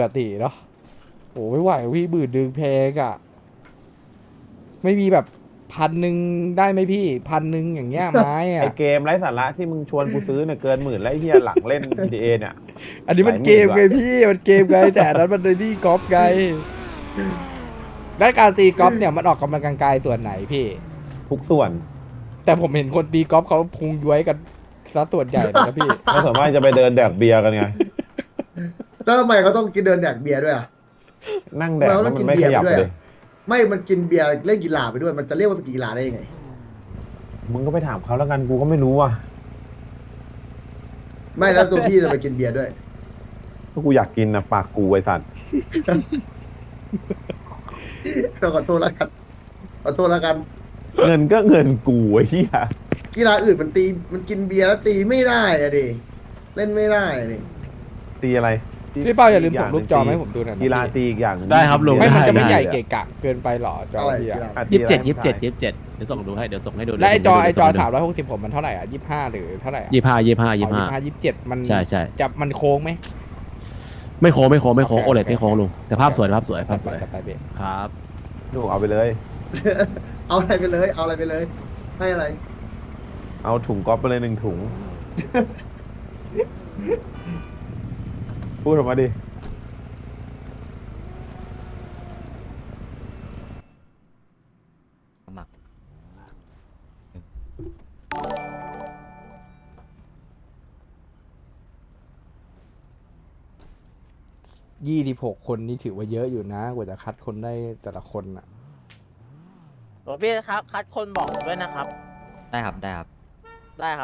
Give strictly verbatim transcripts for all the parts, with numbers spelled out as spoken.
ปกติเนาะโอ้ไม่ไหวพี่บืดดึงแพงอะไม่มีแบบพันหนึ่งได้ไหมพี่พันหนึ่งอย่างเงี้ยไม้ไออะเกมไร้สาระที่มึงชวนกูซื้อเนี่ยเกินหมื่นแล้วไอ้เฮียหลังเล่น จี ที เอ เนี่ยอันนี้มันเกมไงพี่มันเกมไงแต่อันนั้นมันเลยนี่กอล์ฟไงได้การตีกอล์ฟเนี่ยมันออกกำลังกายส่วนไหนพี่ทุกส่วนแต่ผมเห็นคนตีกอล์ฟเขาพุงย้วยกันซะส่วนใหญ่เลยนะพี่ก็ส่วนมากจะไปเดินแดกเบียร์กันไงแล้วทำไมเขาต้องกินเดินแดกเบียร์ด้วยอ่ะนั่งแดกแล้วมันไม่ขยับเลยไม่มันกินเบียร์เล่นกีฬาไปด้วยมันจะเรียกว่าเป็นกีฬาได้ยังไงมึงก็ไปถามเขาแล้วกันกูก็ไม่รู้ว่ะไม่แล้วตัวพี่จะไปกินเบียร์ด้วยถ้ากูอยากกินนะปากกูไอ้สัตว์เราขอโทษแล้วกันขอโทษแล้วกันเงินก็เงินกูไอ้เหี้ยกีฬาอื่นมันตีมันกินเบียร์แล้วตีไม่ได้อะดิเล่นไม่ได้อะดิตีอะไรพี่เป้าอย่าลืมส่งรูปจอมาให้ผมดูหน่อยนะกีฬาพี่ตีอีกอย่างหนึ่งได้ครับลุงไม่มันจะไม่ได้ใหญ่ได้เกะกะเกินไปหรอจออะไรพี่กีอะฬาอ่ะยี่สิบเจ็ดตียี่สิบเจ็ดร่างกายยี่สิบเจ็ดเดี๋ยวส่งดูให้เดี๋ยวส่งให้ดูและไอจอไอจอส่งให้ดูสามร้อยหกสิบผมมันเท่าไหร่อ่ะยี่ห้าหรือเท่าไหร่อะยี่ห้ายี่ห้ายี่อ๋อห้ายี่ห้ายี่สิบเจ็ดมันใช่ใช่จะมันโค้งไหมไม่โค้งไม่โค้งไม่โค้งโอเคโอเลดโอเคไม่โค้งลุงแต่ภาพสวยภาพสวยภาพสวยจัดไปเบครับดูเอาไปเลยเอาอะไรไปเลย เอาอะไรไปเลย ให้อะไรเอาถุงก๊อฟไปเลยหนึ่งถุง พูดออกมาดิสมัครยี่สิบหกคนนี่ถือว่าเยอะอยู่นะกว่าจะคัดคนได้แต่ละคนอ่ะหลวงพี่ครับ คัดคนบอกผมด้วยนะครับได้ครับได้ครับได้ครับ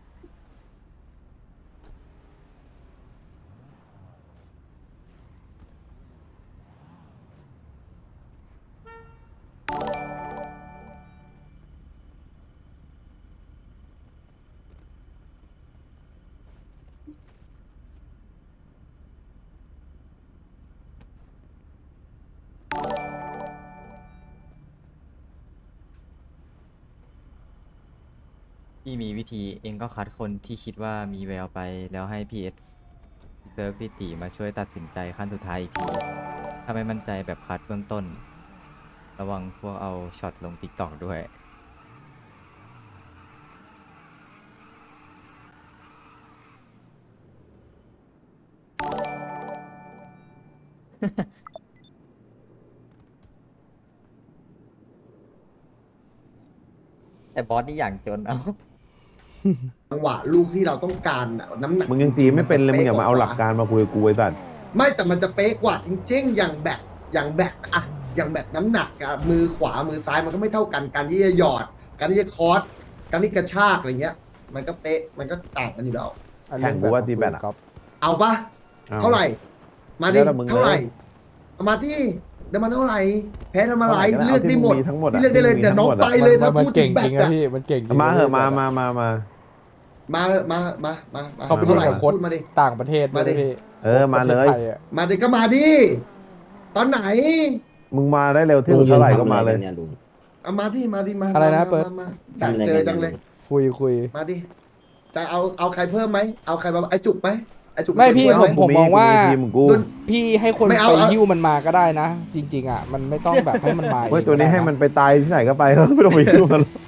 พี่มีวิธีเองก็คัดคนที่คิดว่ามีแววไปแล้วให้พีเอสเซิร์ฟพี่ตีมาช่วยตัดสินใจขั้นสุดท้ายอีกที ถ้าไม่มั่นใจแบบคัดเบื้องต้น ระวังพวกเอาช็อตลงติ๊กตอกด้วย แต่บอสนี่อย่างจนเอาจังหวะลูกที่เราต้องการอะน้ำหนักมึงยังตีไม่เป็นเลยมึงอย่ามาเอาหลักการมาคุยกับกูไอ้สัตว์ไม่แต่มันจะเป๊ะกว่าจริงๆ อย่างแบกอย่างแบกอะอย่างแบกน้ำหนักอะมือขวามือซ้ายมันก็ไม่เท่ากัน การที่จะหยอด การที่จะคอร์สการที่กระชากอะไรเงี้ย มันก็เป๊ะ มันก็ต่างกันอยู่แล้วแข่งกูว่าตีแบตอะเอาปะอเท่าไหร่ มาดิแล้วแต่มึงเท่าไหร่เลยเอามาที่เดี๋ยวมันเท่าไหร่ แพ้ทำอะไรเท่าไหร่ก็ได้เลือกได้หมดเอาที่มึงมีทั้งหมดอะพี่เลือกได้เลยที่มึงมีเดี๋ยวน้องทั้งหมดอะไปเลยถ้ามันพูดถึเก่งงแบจริกงนะอะพี่มันเก่งจริงมาเหอะมามามามามาเถอะมามามามาเขาไปเท่าเล่นไหร่กับโค้ชพูดมาดิต่างประเทศด้วยมาดินะพี่เออมาเลยประทศไทอะมาดิก็มาดิ ตอนไหนมึงมาได้เร็วที่สุดเท่าไหร่ก็มาเลยเอามาดิมาดิมาอะไรนะมาเปิดมามาอยากเจอจังเลยคุยคุยมาดิ จะเอาเอาใครเพิ่มไหม เอาใครมาไอจุกไหมไอจุกไม่พี่เป็นคนผมช่วยไหมองว่าทีมของกูรุ่นพี่ให้คนไม่ไปเอาเอาหิ้วมันมาก็ได้นะ จริง ๆ อ่ะ มันไม่ต้องแบบให้มันมาเองเว้ยตัวนี้ก็ได้ะให้มันไปตายที่ไหนก็ไป แล้วไม่ต้องไปยุ่งมันหรอก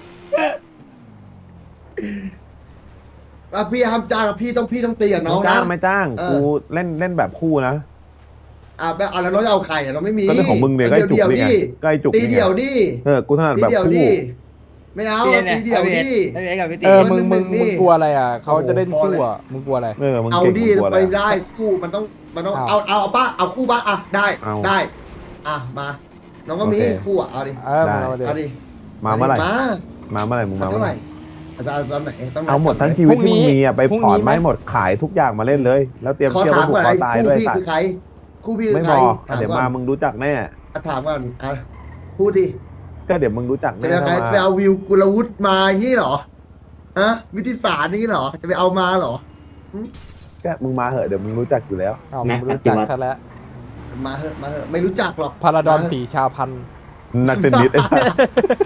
อ่ะพี่ห้ามจ้างอ่ะพี่ต้องพี่ต้องตีกับน้องไม่นะจ้างไม่จ้างเออกูเล่นเล่นแบบคู่นะอ่ะแบบอ่ะแล้วน้องจะเอาใครอ่ะเราไม่มีก็เรื่องของมึงเนี่ยก็ไอ้จุกเดี่ยวนี่ไงดิก็ไอ้จุกตีนี่ไงเดี่ยวดิเออ กูถนัดตีแบบเดี่ยวคู่ดิไม่เอาตีเดี่ยวดิไอเอ็กกับพี่ตีเออมึงมึงนี่มึงกลัวอะไรอ่ะเขาโอ้โหจะเล่นพอคู่เลยอ่ะมึงกลัวอะไรเออ มึงเอาเก่งดิกว่าไปแล้วได้คู่มันต้องมันต้องเอาเอาเอาเอาป้าเอาคู่บ้าอ่ะได้เอาได้ อ่ะมา น้องก็มีโอเคคู่อ่ะเอาดิเออได้มึงเอาดิเอาดิมาเมื่อไหร่มามาเมื่อไหร่มึงมาเท่าเมื่อไหไหร่ร่อาจารย์ตอนไหนต้องเอาหมดทั้งไหนชีวิตพรุ่งที่นี้มึงมีอ่ะไปพรุ่งถอนนี้ไหมไม้หมดขายทุกอย่างมาเล่นเลย แล้วเตรียมขอเที่ยวถามผูกก่อนคอไอ้ตายคู่ด้วยพี่สัตคือว์ใคร คู่พี่คืไม่อใคบรอกถามเดี๋ยวก่อมาน มึงรู้จักแน่อ่ะถามก่อนอ่ะพูดดิก็เดี๋ยวมึงรู้จักจะแน่ไปเอาใครถ้าจะไปมาเอาวิวกุลวุฒิมาอย่างนี้เหรอฮะวิทยาศาสตร์นี่เหรอ จะไปเอามาเหรอก็มึงมาเหอะเดี๋ยวมึงรู้จักอยู่แล้วเอามึงรู้จักซะแล้วมาเหอะมาเหอะไม่รู้จักหรอกพาราดอนมเหะสีชาพันธุ์นักเทนนิสไอ้สัส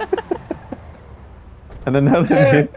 อันนั้นนักเทนนิส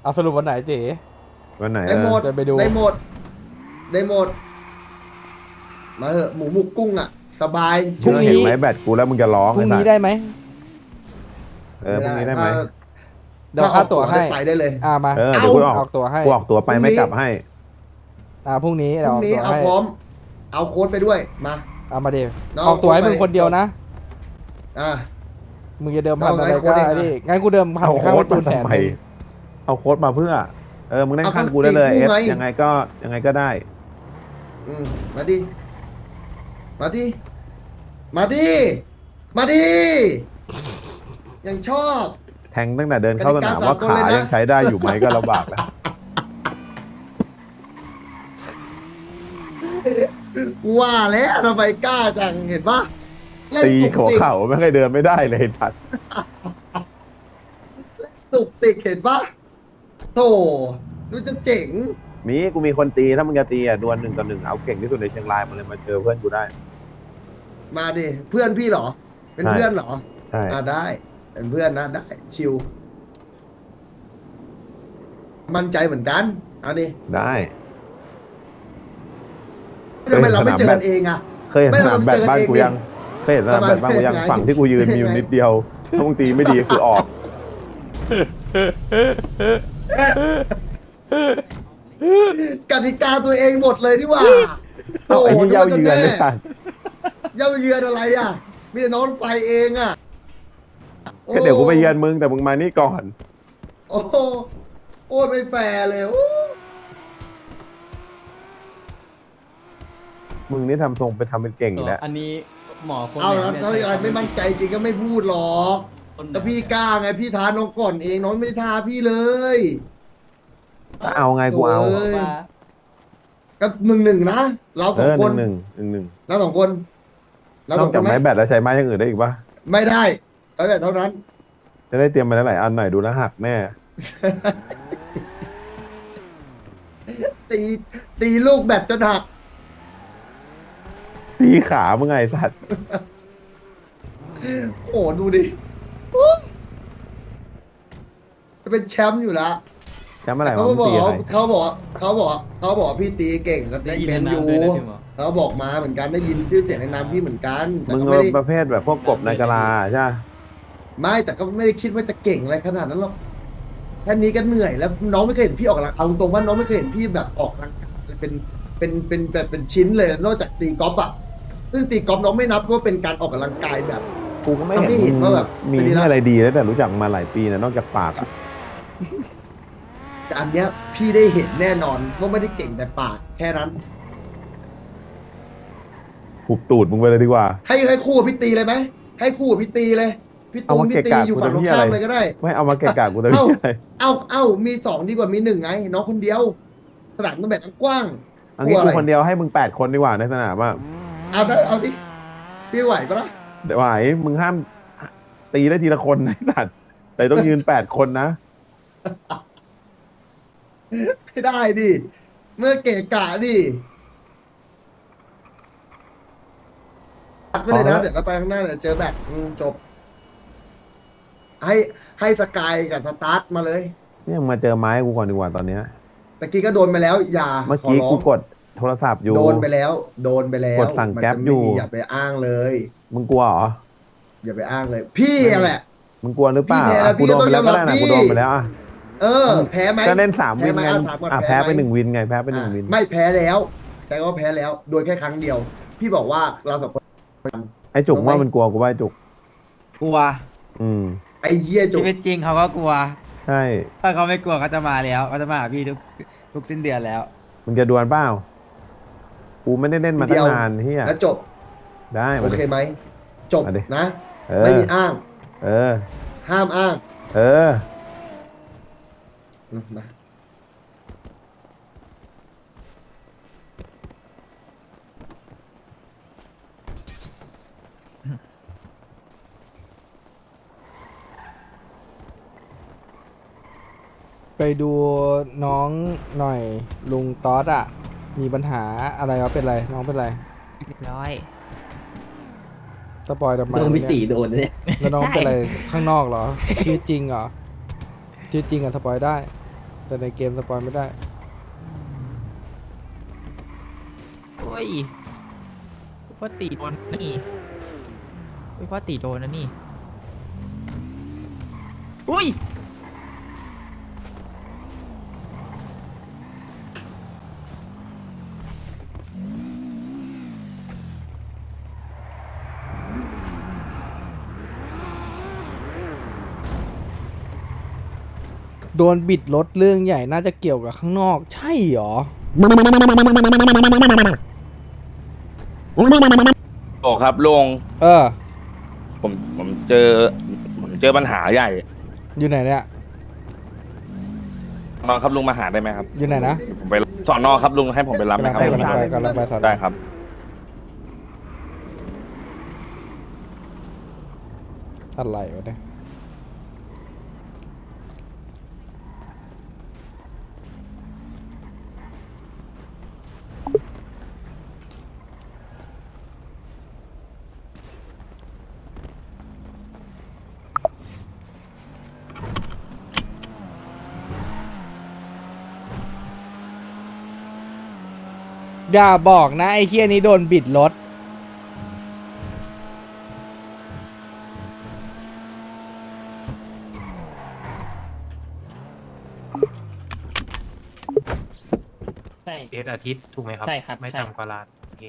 เอาสรุปวันไหนเจ๊วันไหนได้หมดจะไปดูได้หมด ได้หมด มาเถอะหมูหมุกกุ้งอ่ะ สบายพรุ่งนี้เห็นไหมแบตกูแล้วมึงจะร้องพรุ่งไอ้นี้สัตว์ได้ไหมเออพรุ่งนี้ได้ไหมถ้าเดี๋ยวค่าตั๋วให้ไปได้เลยอ่ามาเออเดี๋ยวกูออกออกตั๋วให้กูออกตัวไปไม่กลับให้อ่าพรุ่งนี้พเดี๋ยวรุ่อง อกนี้ตั๋วเอาให้พร้อม เอาโค้ดไปด้วย มาเอามาเดี๋ยวน้องออกตั๋วให้เอามึงคนเดียวนะอ่ะมึงจะเดิมพันน้องอะไรให้โค้ก็ดได้เองนะดิงั้นกูเดิมพันเอาข้างโค้ปดระตูมานแสนทำไมหนึ่งเอาโค้ดมาเพื่อ เออมึงนั่งเอาข้างเขากูได้เลยตีเอคู่ฟไงยังไงก็ยังไงก็ได้อืมมาดิ มาดิ มาดิ มาดิ ยังชอบแทงตั้งแต่เดินเข้าสนามว่าขายังใช้ได้อยู่ไหมก็ลำบากแล้วว่าแล้วทำไมกล้าจังเห็นปะเล่นตีตุกหัวติกเข่าไม่เคยเดินไม่ได้เลยทัดตุกติกเห็นปะโธ่ดูจะเจ๋งมีกูมีคนตีถ้ามึงจะตีอ่ะดวลหนึ่งต่อหนึ่งเอาเก่งที่สุดในเชียงรายมาเลยมาเจอเพื่อนกูได้มาดิ เพื่อนพี่เหรอ เป็นใช่เพื่อนเหรอใช่อ่าได้ เป็นเพื่อนนะได้ ชิว มั่นใจเหมือนกัน เอาดิได้ทำไมเราไม่เจอกันเองอ่ะเคยเห็นไม่สนามแบดบ้านกูเราเจอกันเองยังเคยเห็นสนามแบดบ้านกูยังทำไมฝั่งที่กูยืนมีอยู่นิดเดียวถ้ามึงตีไม่ดีคือออกกติกาตัวเองหมดเลยนี่หว่าเอาไอ้ที่นึกเย้าว่จะเยือนแน่เลยสัตว์เย้าเยือนอะไรอ่ะ มีแต่น้องไปเองอ่ะก็เดี๋ยวกูไปเยือนมึงแต่มึงมานี่ก่อนโอ้โหโอ้ยไม่แฟร์เลยโอ้มึงนี่ทำทรงไปทำเป็นเก่งอีกแล้วอันนี้หมอคนเอาไหนแล้วนี่ยถ้าอะไรไม่มั่นใจจริงก็ไม่พูดหรอกคนไหนแต่พี่กล้าไงพี่ท้าน้องก่อนเองน้องไม่ได้ท้าพี่เลยถ้าเอาไงกูเอาโอ้บอกยว่าก็หนึ่งหนึ่งนะเราสเอองอคหนนึ่งหนึ่งหนึ่งหนึ่งเราสองคนเรานสออก งคจากนไหมไม้แบดแล้วใช้ไม้อย่างอื่นได้อีกปะไม่ได้แล้วแต่เท่านั้นจะได้เตรียมมาหลายๆอันหน่อยดูแลวหักแน่ตีตีลูกแบตจนหักตีขามึงไงสัตว์โอ้ดูดิจะเป็นแชมป์อยู่แล้วจำอะไรเขาวะมึงบอกตีอะไรเขาบอกเขาบอกเขาบอกพี่ตีเก่งก็ตีได้ยินเป็นในอยู่น้ำด้วยนะพี่หมอเขาบอกมาเหมือนกันได้ยินชื่อเสียงในนามพี่เหมือนกันแต่มึงก็เป็ไม่นได้ประเภทแบบพวกกบในกะลาใช่ปะไม่แต่ก็ไม่ได้คิดว่าจะเก่งอะไรขนาดนั้นหรอกแค่นี้ก็เหนื่อยแล้วน้องไม่เคยเห็นพี่ออกกำลังเอาตรงๆว่าน้องไม่เคยเห็นพี่แบบออกกำลังกายเป็นเป็นเป็นแบบเป็นชิ้นเลยนอกจากตีกอล์ฟอ่ะซึ่งตีกอล์ฟน้องไม่นับว่าเป็นการออกกำลังกายแบบกูก็ไม่เราไม่เห็เห็นนมึงว่าแบบมีเป็นดีละอะไรดีแล้วแต่รู้จักมาหลายปีนะนอกจากปากอะแต่อันเนี้ยพี่ได้เห็นแน่นอนว่าไม่ได้เก่งแต่ปากแค่นั้นหุบตูดมึงไปเลยดีกว่าให้ให้คู่กับพี่ตีเลยไหมให้คู่กับพี่ตีเลยพี่เอาตูนมาพี่ตีเกะกะอยู่กูฝั่งตรงทำเหี้ยข้ามอะไรเลยก็ได้ไม่เอามาเกะกะกูแต่เอ้าไม่ใช่เอาเอามีสองดีกว่ามีหนึ่งไง น้องคนเดียวสนามมันแบบกว้างอันนี้กลัวกูอะไรคนเดียวให้มึงแปดคนดีกว่าในสนามอ่ะเอาได้เอาดิพี่ไหวปะล่ะเดี๋ยวไหวมึงห้ามตีได้ทีละคนนะไอ้สัตว์แต่ต้องยืนแปดคนนะไม่ได้ดิเมื่อเกะกะดิตัดไปเลยนะเอาละเดี๋ยวเราไปข้างหน้าเดี๋ยวเจอแบตอืมจบ ให้ให้สกายกับสตาร์ทมาเลยเนี่ยมึงมาเจอไม้กูก่อนดีกว่าตอนเนี้ยตะกี้ก็โดนไปแล้ว อย่าเมื่อขอกี้ร้อกูงกดโทรศัพท์อยู่โดนไปแล้ว โดนไปแล้วกดสั่งมันแก๊ปจะอยู่ไม่มีอย่าไปอ้างเลยมึงกลัวเหรออย่าไปอ้างเลย พี่แหละมึงกลัวหรือเปล่าพี่แพ้แล้วอ่ะกูโดนไปแล้วพี่ก็ต้องยอมรับได้นะพี่กูโดนไปแล้วอ่ะเออ แพ้ไหมก็เล่นสามวินแพ้ไงไหมอ่ะถามก่อนอ่ะแพ้แพ้ไหมไปหนึ่งวินไงแพ้ไปหนึ่งอ่ะวินไม่แพ้แล้วใช้คำว่าแพ้แล้ว โดยแค่ครั้งเดียว พี่บอกว่าเราสองคนไอ้จุกลงไหมว่ามันกลัวกูว่าไอ้จุกกลัวอืมไอ้เหี้ยจุชีกวิตจริงเขาก็กลัวใช่ถ้าเขาไม่กลัวเขาจะมาแล้วเขาจะมาหาพี่ทุกทุกสิ้นเดือนแล้วมึงจะดวลเปล่ากูไม่ได้เล่นมาตั้งนานเฮียแล้วจบได้โอมาดิเคไหมจบมาดินะเออไม่มีอ้างเออห้ามอ้างเอออืมมาไปดูน้องหน่อยลุงต๊อดอ่ะ มีปัญหาอะไรวะเป็นไรน้องเป็นไรเรียบร้อยสปอยทำไมต้องพี่เนี่ยตีโดนเนี่ยแล้วน้องใช่เป็นอะไรข้างนอกเหรอชีวิตจริงเหรอชีวิตจริงอะสปอยได้แต่ในเกมสปอยไม่ได้โอ้ยพ่อตีโดนนะนี่โอ้ยพ่อตีโดนนะนี่อุ้ยโดนบิดรถเรื่องใหญ่น่าจะเกี่ยวกับข้างนอก ใช่เหรอโอ้ครับลุงเออผมผมเจอผมเจอปัญหาใหญ่อยู่ไหนเนี่ยน้องครับลุงมาหาได้ไหมครับอยู่ไหนนะผมไปสอนนอครับลุงให้ผมไปรับไหมกำลังครับไปกำลังไปกำลังไปสอนได้ครับอะไรวะเนี่ยอย่าบอกนะ ไอ้เคียนี้โดนบิดรถใช่เอสอาทิตย์ถูกไหมครับใช่ครับไม่ใช่ต่ำกว่าล้านโอเค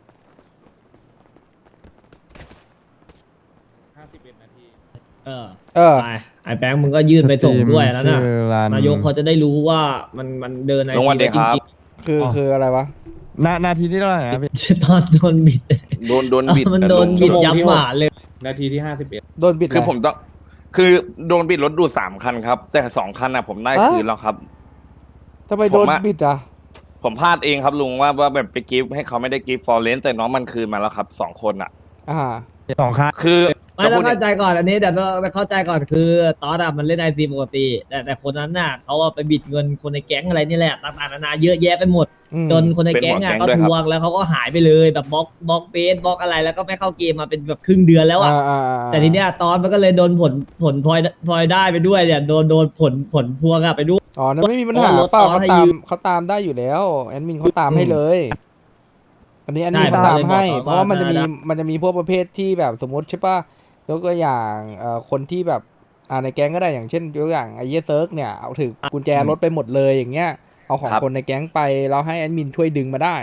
เออเออไปไอ้แบงค์มึงก็ยื่นไปส่งด้วยแล้วนะนายกเขาจะได้รู้ว่ามันมันเดินไอลงซีวันไปเดียวจครับริงคือคืออะไรวะนานาทีที่เท่าไหร่นะพี่ๆตอนโดนบิดโดนโดนบิดมันอะโดนลุงบิดยับหมาเลยนาทีที่ห้าสิบเอ็ดโดนบิดคืออะไรผมต้อง คือโดนบิดรถดูดสามคันครับ แต่สองคันน่ะผมได้อะคืนแล้วครับทำไมโดนผมอะบิดอ่ะผมพลาดเองครับลุงว่าว่าแบบไปกิฟต์ให้เขาไม่ได้กิฟต์ฟอร์เรนแต่น้องมันคืนมาแล้วครับสองคนอ่ะอ่าสองคันคือไม่จะต้อพูงดเข้าใจก่อนอันนี้แต่ต้องเข้าใจก่อนคือตอนอะมันเล่นไอซีปกติ แต่แต่คนนั้นน่ะเขาเอาไปบิดเงินคนในแก๊งอะไรนี่แหละต่างๆนานาเยอะแยะไปหมดอืมจนคนในแก๊งอ่ะเป็นก็หัวแก๊งด้วยทครับวงแล้วเขาก็หายไปเลยแบบบล็อกบล็อกเฟซบล็อกอะไรแล้วก็ไม่เข้าเกมมาเป็นแบบครึ่งเดือนแล้วอ่ะอ่าอ่าอ่าแต่ทีเนี้ยตอนมันก็เลยโดนผลผลพลอยพลอยได้ไปด้วยเนี่ยโดนโดนผลผลพวงอะไปด้วยอ๋อนั่นไม่มีปัญหาเพราะว่ารถเปล่าต่อเขาให้ตายืมมเขาตามได้อยู่แล้วแอดมินเขาตามให้เลย อันนี้แอดมินใช่เขาตามผมก็เลยให้บอกเพราะว่ามันจะมีว่ามันจะมีพวกประเภทที่แบบสมมติใช่ป่ะยกตัวอย่างเอ่อคนที่แบบอ่าในแก๊งก็ได้อย่างเช่นยกตัวอย่างไอ้เยเซิร์กเนี่ยเอาถือกุญแจรถไปหมดเลยอย่างเงี้ยเอาของครับคนในแก๊งไปแล้วให้แอดมินช่วยดึงมาได้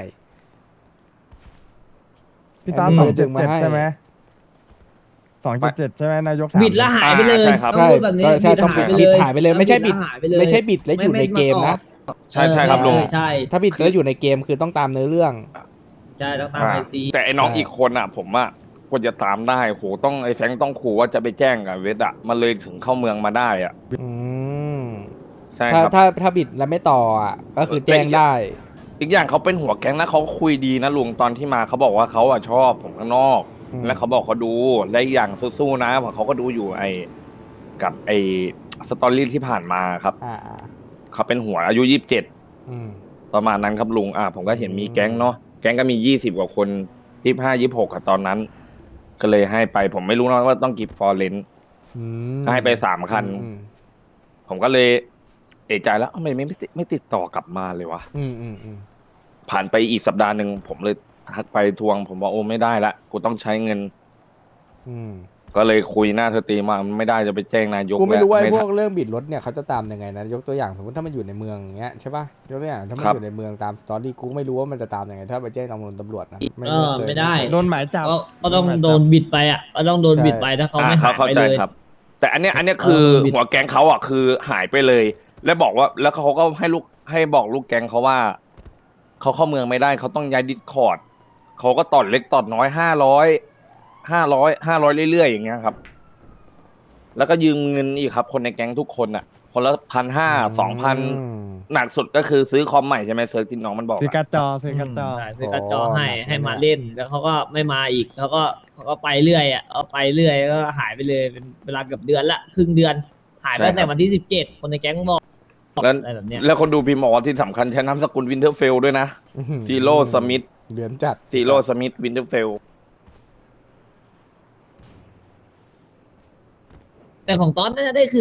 พี่ตาอันนี้สองเจ็ดดึงมาเจ็ดให้ใช่ไหมสองเจ็ดเจ็ดใช่ไหมนายกถามบิดแล้วหายไปเลยใช่ครับต้องพูดแบบนี้ใช่บิดต้องหายไปบิเลดยหายไปเลยไม่ใช่บิดแล้วหายไปเลยไม่ใช่บิดแล้วอยู่ในเกมนะใช่ใช่ครับลุงเออใช่ถ้าบิดแล้วอยู่ในเกมคือต้องตามเนื้อเรื่องใช่ต้องตามอ่าไอซีแต่ไอ้น้องใช่อีกคนอ่ะ ผมอ่ะควรจะตามได้โหต้องไอ้แฟรงค์ต้องขู่ว่าจะไปแจ้งกับเวทอ่ะมันเลยถึงเข้าเมืองมาได้อ่ะอืมใช่ถ้าครับถ้าถ้าบิดแล้วไม่ต่ออ่ะก็คือแจ้งได้อีกอย่างเขาเป็นหัวแก๊งนะเขาคุยดีนะลุงตอนที่มาเขาบอกว่าเขาอ่ะชอบผมข้างนอกอืมแล้วเขาบอกเขาดูและอีกอย่างสู้ๆนะเพราะเขาก็ดูอยู่ไอ้กับไอ้สตอรี่ที่ผ่านมาครับอ่าอ่าเขาเป็นหัวอายุยี่สิบเจ็ดอืมประมาณนั้นครับลุงอ่าผมก็เห็นมีแก๊งเนาะแก๊งก็มียี่สิบกว่าคนยี่ห้ายี่หกอะตอนนั้น ก็เลยให้ไปผมไม่รู้นะว่าต้องกิฟฟอร์เรนอืมก็ให้ไปสามคันอืมผมก็เลยเอะใจแล้วทำไมไม่ไม่ติดไม่ติดต่อกลับมาเลยวะอืมอืมอืมผ่านไปอีกสัปดาห์หนึ่งผมเลยทักไปทวง ผมบอกโอ้ไม่ได้ละกูต้องใช้เงินอืมก็เลยคุยหน้าเธอตีมาไม่ได้จะไปแจ้งนายกกูไม่รู้ว่าไอ้แล้วพวกเรื่องบิดรถเนี่ยเขาจะตามยังไงนะยกตัวอย่างสมมติถ้ามันอยู่ในเมืองอย่างเงี้ยใช่ป่ะยกตัวอย่างถ้ามันครับอยู่ในเมืองตามสตอรี่กูไม่รู้ว่ามันจะตามยังไงถ้าไปแจ้งตำรวจตำรวจนะเออเคยไม่ได้โดนหมายจับก็ก็ต้องโดนบิดไปอ่ะก็ต้องโดนบิดไปถ้าเขาอ่าไม่หายเข้าไปใจเลยครับ แต่อันเนี้ยอันเนี้ยคือเออบิดหัวแก๊งเขาอ่ะคือหายไปเลย แล้วบอกว่าแล้วเขาก็ให้ลูกให้บอกลูกแก๊งเขาว่าเขาเข้าเมืองไม่ได้เขาต้องย้ายดิสคอร์ดเขาก็ตอดเล็กตอดน้อยห้าร้อยห้าร้อยห้าร้อยเรื่อยๆอย่างเงี้ยครับ แล้วก็ยืมเงินอีกครับ คนในแก๊งทุกคนอ่ะ คนละพันห้าสองพันอืมหนักสุดก็คือซื้อคอมใหม่ใช่ไหมเซิร์ฟที่น้องมันบอกซื้ออะการ์ดจอซื้อการ์ดจอใช่ซื้อกระจอให้อ๋อให้มาเล่นแล้วเขาก็ไม่มาอีกเขาก็เขาก็ไปเรื่อยอ่ะเอาไปเรื่อยก็หายไปเลยเป็นเวลาเกือบเดือนละครึ่งเดือน หายไปตั้งแต่วันที่สิบเจ็ดคนในแก๊งบอกแล้วอะไรแบบเนี้ยแล้วคนดูพิมพ์บอกว่าที่สำคัญใช้นามสกุลวินเทอร์เฟลด้วยนะอื้อหือซีโร่สมิธเหลือนจัดซีโร่สมิธวินเทอร์เฟลแต่ของตอนน่าจะได้คืนเนี่ย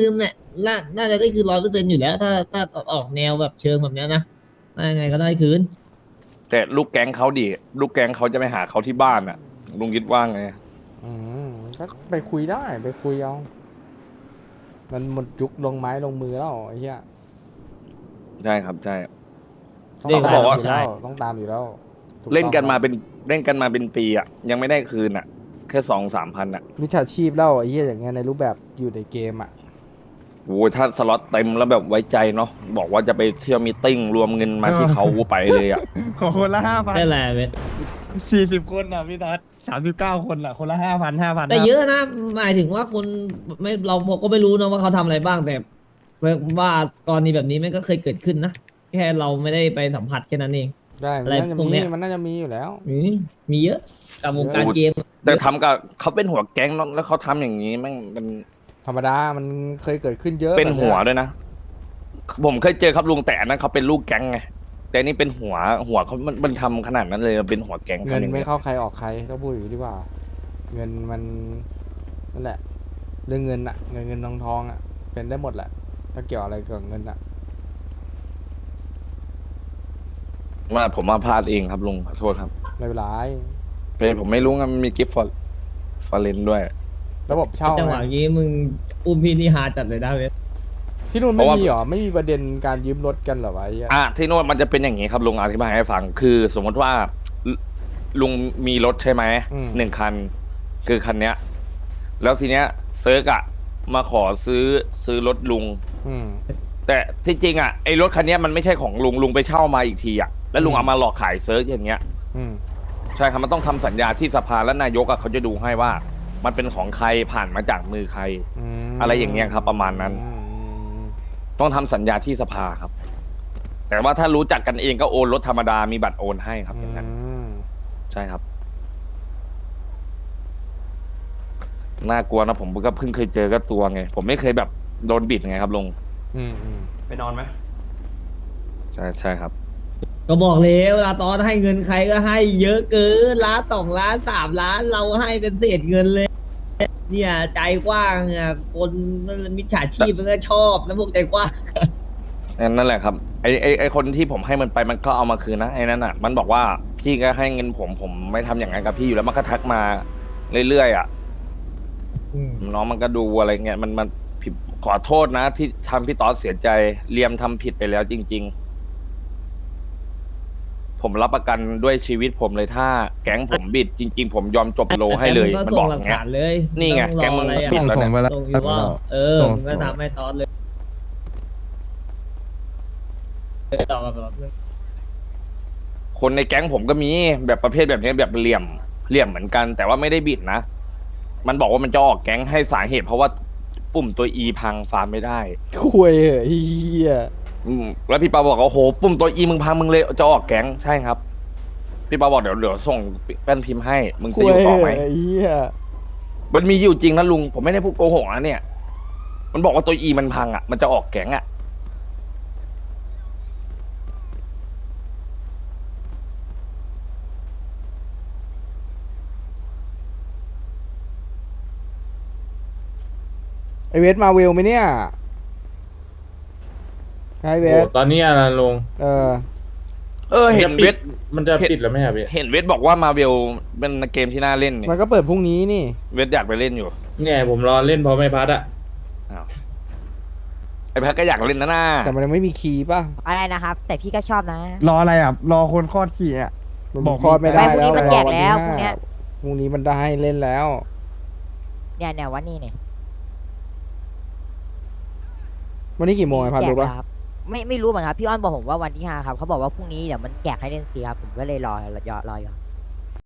น่าน่าจะได้คืนร้อยเปอร์เซ็นต์อยู่แล้ว ถ้าถ้าออกแนวแบบเชิงแบบเนี้ยนะน่ายังไงก็ได้คืนแต่ลูกแก๊งเขาดิลูกแก๊งเขาจะไปหาเขาที่บ้านอ่ะลุงคิดว่าไงอืมก็ไปคุยได้ไปคุยเอา มันหมดยุคลงไม้ลงมือแล้วไอ้เหี้ยใช่ครับใช่ต้องเรียกตามบอกว่าอยู่แล้วต้องตามอยู่แล้วถูเล่นกันมาต้องเป็นเล่นกันมาเป็นปีอ่ะยังไม่ได้คืนอ่ะ แค่สองสามพันอ่ะมิจฉาชีพแล้วไอ้เหี้ยอย่างเงี้ยในรูปแบบอยู่ในเกมอ่ะโอ้ยถ้าสล็อตเต็มแล้วแบบไว้ใจเนาะบอกว่าจะไปเที่ยวมีตติ้งรวมเงินมาที่เขาไปเลยอ่ะขอคนละห้าพันได้แหละเว้ยสี่สิบคนอ่ะพี่ทัศสามสิบเก้าคนอ่ะคนละห้าพันห้าพันแต่เยอะนะหมายถึงว่าคนไม่เราก็ไม่รู้นะว่าเขาทำอะไรบ้างแต่ว่ากรณีแบบนี้มันก็เคยเกิดขึ้นนะแค่เราไม่ได้ไปสัมผัสแค่นั้นเองได้อะไรมันน่าจะพวกมีเนี้ยมันน่าจะมีอยู่แล้วอืมมีเยอะกับวงการเกมแต่ทำกับเขาเป็นหัวแก๊งเนอะแล้วเขาทำอย่างนี้แม่งมันธรรมดามันเคยเกิดขึ้นเยอะเป็นหัวแบบด้วยนะ ผมเคยเจอครับลุงแต่อันนั้นเขาเป็นลูกแก๊งไงแต่นี่เป็นหัวหัวเขามันมันทำขนาดนั้นเลยเป็นหัวแก๊งเงินทำอย่างไม่นี้ยเข้าใครออกใครต้องพูดอย่างนี้ดีกว่า เงินมันนั่นแหละ เรื่องเงินอะเงินเงินทองทองอะเป็นได้หมดแหละถ้าเกี่ยวอะไรกับเงินอะว่าผมมาพลาดเองครับลุงขอโทษครับไม่เป็นไรเป็นผมไม่รู้ไงมันมีกิฟต์ฟอร์ฟอร์เรนด้วยระบบเช่าจังหวะไงนี้มึงอุ้มพี่นี่ฮาจัดเลยนะเว้ยที่นู่นเพไม่ราะว่ามีเหรอไม่มีประเด็นการยืมรถกันเหรอวะไอ้เหี้ยอ่ะที่โน่นมันจะเป็นอย่างนี้ครับลุงอธิบายให้ฟัง คือสมมติว่าลุลุงมีรถใช่ไหมหนึ่งคัน คือคันเนี้ย แล้วทีเนี้ยเซิร์กอะมาขอซื้อซื้อรถลุงอืมแต่ที่จริงอะไอ้รถคันเนี้ยมันไม่ใช่ของลุงลุงไปเช่ามาอีกทีอะแล้วลุงอืมเอามาหลอกขายเซิร์กอย่างเงี้ยอืมใช่ครับมันต้องทำสัญญาที่สภาและนายกอะเขาจะดูให้ว่า มันเป็นของใครผ่านมาจากมือใครอืมอะไรอย่างเงี้ยครับประมาณนั้นอืมต้องทำสัญญาที่สภาครับ แต่ว่าถ้ารู้จักกันเองก็โอนรถธรรมดามีบัตรโอนให้ครับอย่างนั้นอืมใช่ครับ น่ากลัวนะผมก็เพิ่งเคยเจอก็ตัวไง ผมไม่เคยแบบโดนบิดไงครับลุงอืมอืมไปนอนไหมใช่ใช่ครับก็บอกเลยเวลาตอนให้เงินใครก็ให้เยอะเกินล้านสองล้านสามล้านเราให้เป็นเศษเงินเลย เนี่ยใจกว้างอ่ะคนมิจฉาชีพมันก็ชอบนะพวกใจกว้างนั่นแหละครับไอไอไอคนที่ผมให้มันไปมันก็เอามาคืนนะไอ้นั่นอ่ะ มันบอกว่าพี่ก็ให้เงินผมผมไม่ทำอย่างนั้นกับพี่อยู่แล้วมันก็ทักมาเรื่อยๆอ่ะอืมน้องมันก็ดูอะไรเงี้ยมันมันผิดขอโทษนะ ที่ทำพี่ต๊อดเสียใจเลียมทำผิดไปแล้วจริง ๆ ผมรับประกันด้วยชีวิตผมเลยถ้าแก๊งผมบิดจริง ๆ ผมยอมจบโลให้เลยแกมึงก็มันส่บงอกหอลักย่างเงี้ยฐานเลยนี่ไงม่แก๊ต้องงรอมึงอะไรปิดอ่ะแล้วส่งไปเนี่ยแล้วส่งอยู่ว่าเออส่งมึงก็ส่งทำให้ตอนเลยเออต่อมาแบบนึงคนในแก๊งผมก็มีแบบประเภทแบบนี้แบบเหลี่ยมเหลี่ยมเหมือนกัน แต่ว่าไม่ได้บิดนะ มันบอกว่ามันจะออกแก๊งให้สาเหตุ เพราะว่าปุ่มตัว E พังฟาร์มไม่ได้คุยเหอะไอ้เหี้ยอืมแล้วพี่ปาบอกว่าโอ้โหปุ่มตัว E มึงพังมึงเลยจะออกแก๊งใช่ครับ พี่ปาบอกเดี๋ยวเดี๋ยวส่งแป้นพิมพ์ให้มึงคุจะยอยู่เหต่ออะไหมไอ้เหี้ยมันมีอยู่จริงนะลุงผมไม่ได้พูดโกหกนะเนี่ย มันบอกว่าตัว E มันพังอ่ะมันจะออกแก๊งอ่ะไอเวสมาเวลไหมเนี่ยไอเวสตอนนี้อะไรลงเออเออเห็นเวทมันจะปิดแล้วไหมครับพี่เห็นเวทบอกว่ามาเวลเป็นเกมที่น่าเล่นเนี่ยมันก็เปิดพรุ่งนี้นี่เวทอยากไปเล่นอยู่เนี่ยผมรอเล่นเพราะไม่พัดอะอ้าวไอแพ็กก็อยากเล่นนะน่าแต่มันยังไม่มีคีย์ป่ะอะไรนะครับ แต่พี่ก็ชอบนะรออะไรอ่ะ รอคนคลอดขี่อ่ะมันบอกคลอดไม่ได้ไม่พรุ่งนี้แล้วมันแจกแล้วรอพรุ่งเนี้ยพรุ่งนี้มันได้เล่นแล้วเนี่ยเนี่ยวันนี้เนี่ยวันนี้กี่โมงไอพันแจรู้กป่ะแล้วครับไม่ไม่รู้เหมือนกันครับพี่อ้อนบอกผมว่าวันที่ห้าครับเขาบอกว่าพรุ่งนี้เดี๋ยวมันแจกให้เล่นฟรีครับผมก็เลยรอรอรออยู่